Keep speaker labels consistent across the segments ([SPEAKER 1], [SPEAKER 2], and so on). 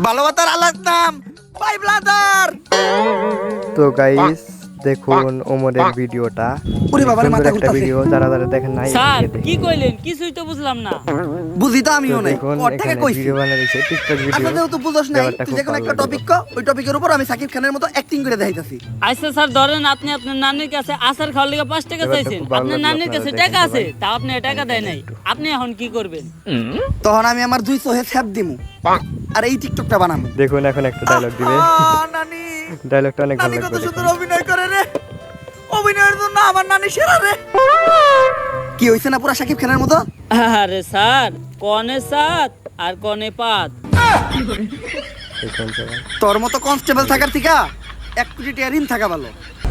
[SPEAKER 1] ভালোবাসার আলাদা নাম বাই ব্রাদার।
[SPEAKER 2] তো গাইস দেখুন ওমরের ভিডিওটা,
[SPEAKER 1] ওরে বাবারে,
[SPEAKER 2] সুন্দর
[SPEAKER 1] মাথা
[SPEAKER 2] একটা
[SPEAKER 1] ঘুরতাছে।
[SPEAKER 2] ভিডিও, যারা যারা দেখেন নাই
[SPEAKER 3] স্যার
[SPEAKER 2] দেখে দেখুন।
[SPEAKER 3] কি কইলেন কিছুই তো বুঝলাম না।
[SPEAKER 1] বুঝি তো আমিও নাই,
[SPEAKER 2] দেখুন
[SPEAKER 1] ওর থেকে
[SPEAKER 2] এখানে
[SPEAKER 1] কইছি।
[SPEAKER 2] ভিডিও বানাইছে, টিকটক ভিডিও।
[SPEAKER 1] আচ্ছা যেহেতু বুঝছ নাই,
[SPEAKER 2] ব্যাপারটা
[SPEAKER 1] তুই
[SPEAKER 2] খুব
[SPEAKER 1] যখন
[SPEAKER 2] ভালো
[SPEAKER 1] একটা
[SPEAKER 2] লাগে
[SPEAKER 1] টপিক ক, ওই টপিকের উপর আমি সাকিব খানের মতো অ্যাক্টিং করে দেখাইতাছি।
[SPEAKER 3] আচ্ছা স্যার ধরেন আপনি আপনার নানির কাছে আচার খাওয়ার লিগে 5 টাকা
[SPEAKER 2] ব্যাপারটা
[SPEAKER 3] চাইছেন,
[SPEAKER 2] খুব ভালো
[SPEAKER 3] আপনার
[SPEAKER 2] লাগলো,
[SPEAKER 3] নানির
[SPEAKER 2] আপনারা
[SPEAKER 3] কাছে
[SPEAKER 2] দেখেন
[SPEAKER 3] টাকা আছে,
[SPEAKER 2] সবাই।
[SPEAKER 3] তা আপনি টাকা দেয় নাই, আপনি এখন কি করবেন?
[SPEAKER 1] তখন আমি আমার দুই চোহে ছ্যাপ দিমু আর এই টিকটকটা বানামু।
[SPEAKER 2] দেখুন এখন একটা ডায়লগ দিবে,
[SPEAKER 1] নানি,
[SPEAKER 2] ডায়লগটা অনেক ভালো
[SPEAKER 1] নানি কত
[SPEAKER 2] লাগবে।
[SPEAKER 1] সুন্দর অভিনয় করে রে, অভিনয়ের জন্য আমার নানি সেরা রে। কি হইছে না পুরা সাকিব খানের মতো?
[SPEAKER 3] আরে স্যার কনে সাত আর কনে পাত।
[SPEAKER 2] দেখুন সবাই।
[SPEAKER 1] তোর মতো কনস্টেবল থাকার থেকে 1 কোটি টাকা ঋণ থাকা ভালো।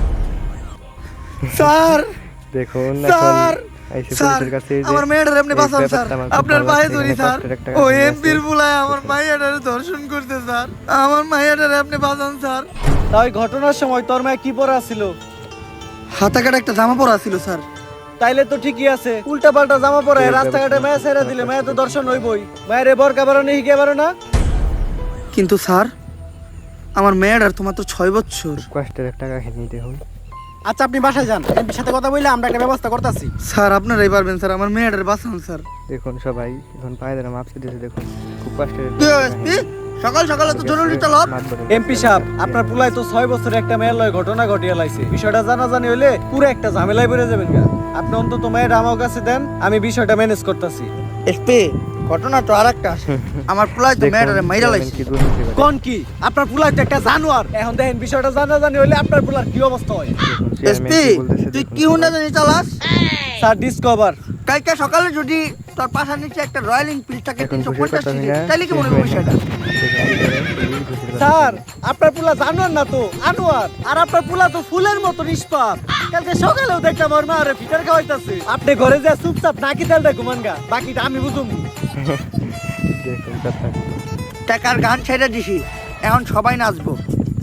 [SPEAKER 1] স্যার,
[SPEAKER 2] দেখুন
[SPEAKER 1] স্যার,
[SPEAKER 2] এখন আইসি
[SPEAKER 1] স্যার,
[SPEAKER 2] পুলিশের কাছে এই যে
[SPEAKER 1] আমার মেয়েটার আপনি
[SPEAKER 2] এই
[SPEAKER 1] বাঁচান স্যার,
[SPEAKER 2] ব্যাপারটা আমার খুব
[SPEAKER 1] আপনার
[SPEAKER 2] ভালো
[SPEAKER 1] পায়ে
[SPEAKER 2] লাগছে,
[SPEAKER 1] ধরি
[SPEAKER 2] এখানে
[SPEAKER 1] স্যার।
[SPEAKER 2] কষ্টের একটা
[SPEAKER 1] ও
[SPEAKER 2] কাহিনী
[SPEAKER 1] এমপির
[SPEAKER 2] আছে।
[SPEAKER 1] বুলায় আমার মাইয়াটারে ধর্ষণ করতে স্যার, আমার মাইয়াটারে আপনি বাঁচান স্যার।
[SPEAKER 4] তাই ঘটনার সময় তোর মায়ে কি পরা ছিল?
[SPEAKER 1] হাতা কাটা একটা জামা পরা ছিল স্যার।
[SPEAKER 4] তাইলে তো ঠিকই আছে, উল্টা পাল্টা জামা পরে
[SPEAKER 2] ঠিক
[SPEAKER 4] রাস্তাঘাটে
[SPEAKER 2] আছে।
[SPEAKER 4] মায়া ছেড়ে দিলে মায়া তো দর্শন হইবই। মায়ের এ বরকা বারো নেই হিগে বারো না।
[SPEAKER 1] কিন্তু স্যার আমার মেয়েটার তো মাত্র 6 বছর।
[SPEAKER 2] কষ্টের একটা কাহিনী দেখুন।
[SPEAKER 4] আচ্ছা আপনি বাসায় যান, এমপির সাথে কথা বললে আমরা একটা ব্যবস্থা করতেছি।
[SPEAKER 1] স্যার আপনারাই পারবেন স্যার, আমার মেয়েটার বাঁচান স্যার।
[SPEAKER 2] দেখুন সবাই এখন পায়ে ধরে মাপছে দিয়েছে, দেখুন খুব কষ্টের একটা
[SPEAKER 1] কি
[SPEAKER 2] কাহিনী।
[SPEAKER 1] এসপি, সকাল সকাল তো জরুরি তলব।
[SPEAKER 2] মাত বলে
[SPEAKER 4] এমপি সাহেব, আপনার পুলাই তো 6 বছরে একটা মেয়ের লয় ঘটনা ঘটিয়ে লাইছে। বিষয়টা জানাজানি হইলে পুরো একটা ঝামেলায় পড়ে যাবেন গা। আপনি অন্তত মেয়ের আমার কাছে দেন, আমি বিষয়টা ম্যানেজ করতেছি।
[SPEAKER 1] এসপি ঘটনা তো আরেকটা আছে, আমার পোলায় তো
[SPEAKER 2] দেখুন,
[SPEAKER 1] মেয়েটারে মাইরা
[SPEAKER 2] চেয়ারম্যান
[SPEAKER 1] লাইছে।
[SPEAKER 2] কি দুর্নীতি করে।
[SPEAKER 4] কোন কি? আপনার পুলাই তো একটা জানোয়ার। এখন দেখেন বিষয়টা জানাজানি হইলে আপনার পুলার কি অবস্থা হয়।
[SPEAKER 2] দেখুন, চেয়ারম্যান
[SPEAKER 1] এসপি
[SPEAKER 2] কি বলতেছে
[SPEAKER 1] তুই
[SPEAKER 2] দেখুন
[SPEAKER 1] কি
[SPEAKER 2] সবাই।
[SPEAKER 1] হুন্ডা জানি চালাস?
[SPEAKER 4] Sir discover.
[SPEAKER 1] কালকে সকালে যদি তোর পাশার নিচে একটা রয়্যাল এনফিল্ড থাকে
[SPEAKER 2] এখন
[SPEAKER 1] 350
[SPEAKER 2] খুশির কথা
[SPEAKER 1] সিসি,
[SPEAKER 2] না।
[SPEAKER 1] তাহলে কি মনে হবে বিষয়টা?
[SPEAKER 4] স্যার আপনার পুলা জানোয়ার না তো আনোয়ার, আর আপনার পুলা তো ফুলের মতো নিষ্পাপ। কালকে সকালেও দেখলাম ওর মা আরে ফিটার খাওয়াইতাছে। আপনি ঘরে যা চুপচাপ নাকি তেলটা ঘুমান গা, বাকিটা আমি বুঝুম।
[SPEAKER 2] দেখুন কথা।
[SPEAKER 1] টাকার গান ছেড়ে দিছি, এখন সবাই নাচবো।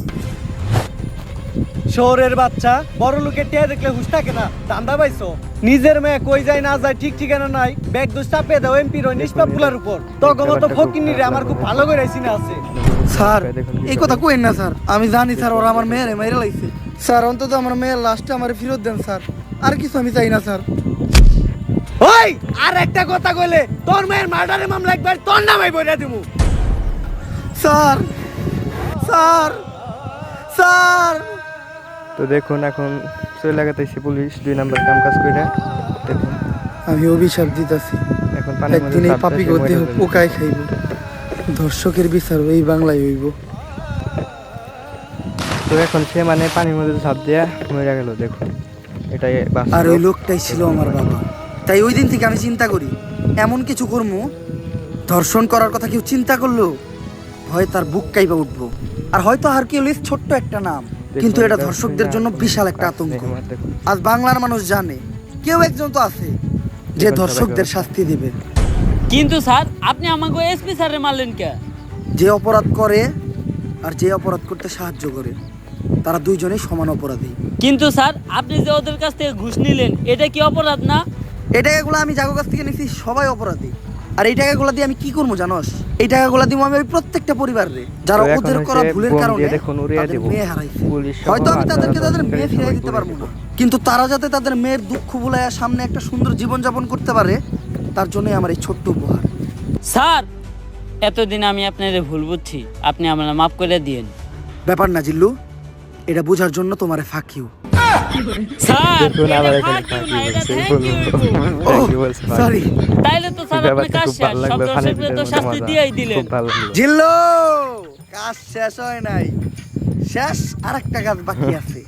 [SPEAKER 4] শহরের বাচ্চা বড় লোকের টিয়া দেখলে হুশ থাকে না, দান্দা পাইছো। নিজের মেয়ে কই যায় না যায় ঠিক ঠিকানা নাই, ব্যাগ দোষ চাপিয়ে দাও এমপির ওই নিষ্পাপ পুলার উপর। তখন মতো ফকিনি রে আমার খুব ভালো করে চিনা আছে।
[SPEAKER 1] স্যার
[SPEAKER 2] দেখুন কি
[SPEAKER 1] এই কথা কইেন না স্যার, আমি জানি স্যার ওরা আমার মেয়েরে মেরে লাইছে। স্যার অন্তত আমার মেয়ের লাস্টে আমার ফেরত দেন স্যার, আর কিছু আমি চাই না স্যার।
[SPEAKER 4] ওই আর একটা কথা কইলে তোর মেয়ের মার্ডারের মামলা একবার তোর নামে বইরা দিমু।
[SPEAKER 1] স্যার, স্যার, স্যার,
[SPEAKER 2] তো দেখুন এখন চলে লাগাতেছি পুলিশ 2 নাম্বার কাম কাজ করে। দেখুন
[SPEAKER 1] আমি অভিশাপ দিতেছি,
[SPEAKER 2] এখন পানির মধ্যে
[SPEAKER 1] একদিন এই
[SPEAKER 2] চাপ
[SPEAKER 1] পাপি
[SPEAKER 2] দিয়ে সে
[SPEAKER 1] দেহ
[SPEAKER 2] মরে যাবে।
[SPEAKER 1] পোকায় খাইব। দর্শকের বিচার এই বাংলায় হইব।
[SPEAKER 2] তো এখন সে মানে পানির মধ্যে ঝাঁপ দিয়ে মরে গেল। দেখুন এটাই বাস্তব।
[SPEAKER 1] আর ওই লোকটাই ছিল আমার বাবা। তাই ওই দিন থেকে আমি চিন্তা করি, এমন কিছু করবো ধর্ষণ করার কথা কেউ চিন্তা করলো হয় তার বুক কাইবা উঠবো। আর হয়তো হারকিউলিস ছোট্ট একটা নাম, কিন্তু এটা ধর্ষকদের জন্য বিশাল একটা আতঙ্ক।
[SPEAKER 2] দেখুন
[SPEAKER 1] আজ বাংলার মানুষ জানে কেউ একজন তো আছে যে ধর্ষকদের শাস্তি দেবে।
[SPEAKER 3] কিন্তু স্যার আপনি আমাকে এসপি স্যারে মারলেন কে?
[SPEAKER 1] যে অপরাধ করে আর যে অপরাধ করতে সাহায্য করে, তারা দুইজনেই সমান অপরাধী।
[SPEAKER 3] কিন্তু স্যার আপনি যে ওদের কাছ থেকে ঘুষ নিলেন এটা কি অপরাধ না?
[SPEAKER 1] এই টাকাগুলো আমি যাগো কাছ থেকে নিছি সবাই অপরাধী। আর এই টাকাগুলো দিয়ে আমি কি করবো জানোস? এই টাকাগুলো দিব আমি ওই প্রত্যেকটা পরিবারে যারা
[SPEAKER 2] তো এখন
[SPEAKER 1] ওদের করা
[SPEAKER 2] হচ্ছে
[SPEAKER 1] ভুলের
[SPEAKER 2] বোম
[SPEAKER 1] কারণে
[SPEAKER 2] দিয়ে দেখুন উড়িয়ে
[SPEAKER 1] তাদের
[SPEAKER 2] দিব।
[SPEAKER 1] মেয়ে হারাইছে।
[SPEAKER 2] পুলিশ সহ
[SPEAKER 1] হয়তো আমি
[SPEAKER 2] হাজার
[SPEAKER 1] তাদেরকে
[SPEAKER 2] হাজার
[SPEAKER 1] তাদের মেয়ে
[SPEAKER 2] সবাই
[SPEAKER 1] ফিরিয়ে দিতে
[SPEAKER 2] পুলিশ
[SPEAKER 1] পারবো না,
[SPEAKER 2] দিব।
[SPEAKER 1] কিন্তু তারা যাতে তাদের মেয়ের দুঃখ ভুলাইয়া সামনে একটা সুন্দর জীবন যাপন করতে পারে, তার জন্যই আমার এই ছোট্ট উপহার।
[SPEAKER 3] স্যার এতদিন আমি আপনার ভুল বুঝছি, আপনি আমার মাফ করে দিয়েন।
[SPEAKER 1] ব্যাপার না জিল্লু, এটা বোঝার জন্য তোমারে ফাঁক ইউ।
[SPEAKER 3] স্যার
[SPEAKER 2] দেখুন আবার
[SPEAKER 3] এটা
[SPEAKER 2] এখানে
[SPEAKER 3] thank you না,
[SPEAKER 2] ফাঁকি
[SPEAKER 3] এটা
[SPEAKER 2] বলছে,
[SPEAKER 3] thank you হইবো।
[SPEAKER 2] Thank you বলছে, ফাঁকি।
[SPEAKER 1] সরি
[SPEAKER 3] তাইলে তো স্যার আপনি
[SPEAKER 2] ব্যাপারটা
[SPEAKER 3] কাজ
[SPEAKER 2] খুব
[SPEAKER 3] শেষ,
[SPEAKER 2] ভালো
[SPEAKER 3] সব
[SPEAKER 2] লাগলো, ফানি
[SPEAKER 3] দর্শকদের তো
[SPEAKER 2] ভিডিওর
[SPEAKER 3] শাস্তি
[SPEAKER 2] মজা।
[SPEAKER 3] দিয়েই দিলেন।
[SPEAKER 2] খুব ভালো লাগলো।
[SPEAKER 1] জিল্লু, কাজ শেষ হয় নাই, শেষ আর একটা কাজ বাকি আছে।